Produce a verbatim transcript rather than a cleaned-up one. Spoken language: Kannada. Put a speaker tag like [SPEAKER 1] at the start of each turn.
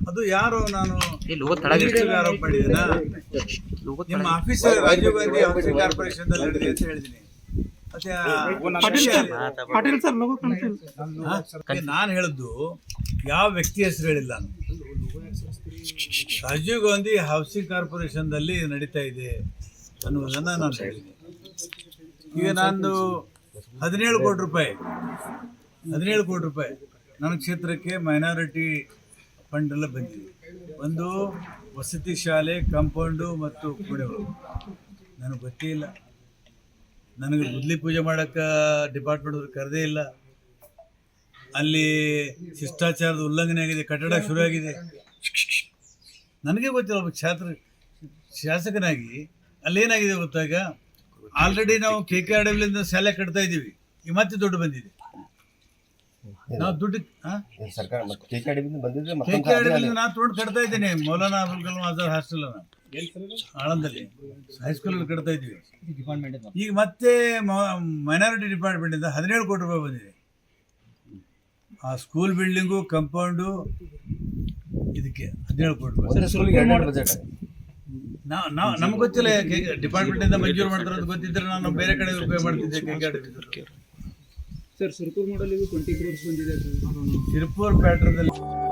[SPEAKER 1] ಅದು ಯಾರು ನಾನು ಆರೋಪ ಮಾಡಿದ್ದೀನ ನಿಮ್ಮ office Rajiv Gandhi housing corporation ದಲ್ಲಿ ನಡೆದಿದೆ ಅಂತ ಹೇಳಿದ್ದೀನಿ. ಮತ್ತೆ ನಾನು ಹೇಳಿದ್ದು ಯಾವ ವ್ಯಕ್ತಿ ಹೆಸರು ಹೇಳಿಲ್ಲ. ರಾಜೀವ್ ಗಾಂಧಿ ಹೌಸಿಂಗ್ ಕಾರ್ಪೊರೇಷನ್ ದಲ್ಲಿ ನಡೀತಾ ಇದೆ ಅನ್ನುವುದನ್ನ ನಾನು ಹೇಳಿದ್ದೀನಿ. ಈಗ ನಾನು ಹದಿನೇಳು ಕೋಟಿ ರೂಪಾಯಿ ಹದಿನೇಳು ಕೋಟಿ ರೂಪಾಯಿ ನನ್ನ ಕ್ಷೇತ್ರಕ್ಕೆ ಮೈನಾರಿಟಿ ಫಂಡ್ ಎಲ್ಲ ಬಂದಿದೆ. ಒಂದು ವಸತಿ ಶಾಲೆ, ಕಾಂಪೌಂಡು ಮತ್ತು ಕುಡಿಗಳು ನನಗೆ ಗೊತ್ತೇ ಇಲ್ಲ. ನನಗೆ ಗುದ್ಲಿ ಪೂಜೆ ಮಾಡೋಕ್ಕೆ ಡಿಪಾರ್ಟ್ಮೆಂಟ್ ಅವ್ರು ಕರೆದೇ ಇಲ್ಲ. ಅಲ್ಲಿ ಶಿಷ್ಟಾಚಾರದ ಉಲ್ಲಂಘನೆ ಆಗಿದೆ, ಕಟ್ಟಡ ಶುರುವಾಗಿದೆ. ನನಗೆ ಗೊತ್ತಿಲ್ಲ, ಒಬ್ಬ ಛಾತ್ರ ಶಾಸಕನಾಗಿ ಅಲ್ಲೇನಾಗಿದೆ ಗೊತ್ತಾಗ ಆಲ್ರೆಡಿ ನಾವು ಕೆ ಕೆ ಆರ್ ಡಬ್ಲ್ಯೂಯಿಂದ ಶಾಲೆ ಕಟ್ತಾ ಇದ್ದೀವಿ. ಈ ಮತ್ತೆ ದುಡ್ಡು ಬಂದಿದೆ. ನಾವು ದುಡ್ಡು ಕೆ ಕೆ ಆರ್ ಡಬ್ಲ್ಯೂಯಿಂದ ನಾನು ದುಡ್ಡು ಕಟ್ತಾ ಇದ್ದೀನಿ. ಮೌಲಾನಾ ಅಬುಲ್ ಕಲಾಂ ಆಜಾದ್ ಹಾಸ್ಟೆಲ್ ಆಳಂದಲ್ಲಿ ಹೈಸ್ಕೂಲಲ್ಲಿ ಕಟ್ತಾ ಇದ್ದೀವಿ. ಈಗ ಮತ್ತೆ ಮೈನಾರಿಟಿ ಡಿಪಾರ್ಟ್ಮೆಂಟಿಂದ ಹದಿನೇಳು ಕೋಟಿ ರೂಪಾಯಿ ಬಂದಿದೆ. ಆ ಸ್ಕೂಲ್ ಬಿಲ್ಡಿಂಗು, ಕಂಪೌಂಡು, ಇದಕ್ಕೆ ಹದಿನೇಳು ಕೋಟಿ ರೂಪಾಯಿ. ನಾವು ನಾವು ನಮ್ಗೆ ಗೊತ್ತಿಲ್ಲ. ಡಿಪಾರ್ಟ್ಮೆಂಟಿಂದ ಮಂಜೂರು ಮಾಡ್ತಾರೆ ಅಂತ ಗೊತ್ತಿದ್ರೆ ನಾನು ಬೇರೆ ಕಡೆ ಉಪಯೋಗ ಮಾಡ್ತಿದ್ದೆ. K K R
[SPEAKER 2] sir, Sirpur model twenty crores ಬಂದಿದೆ.
[SPEAKER 1] ಸಿರ್ಪುರ್ ಪ್ಯಾಟ್ರದಲ್ಲಿ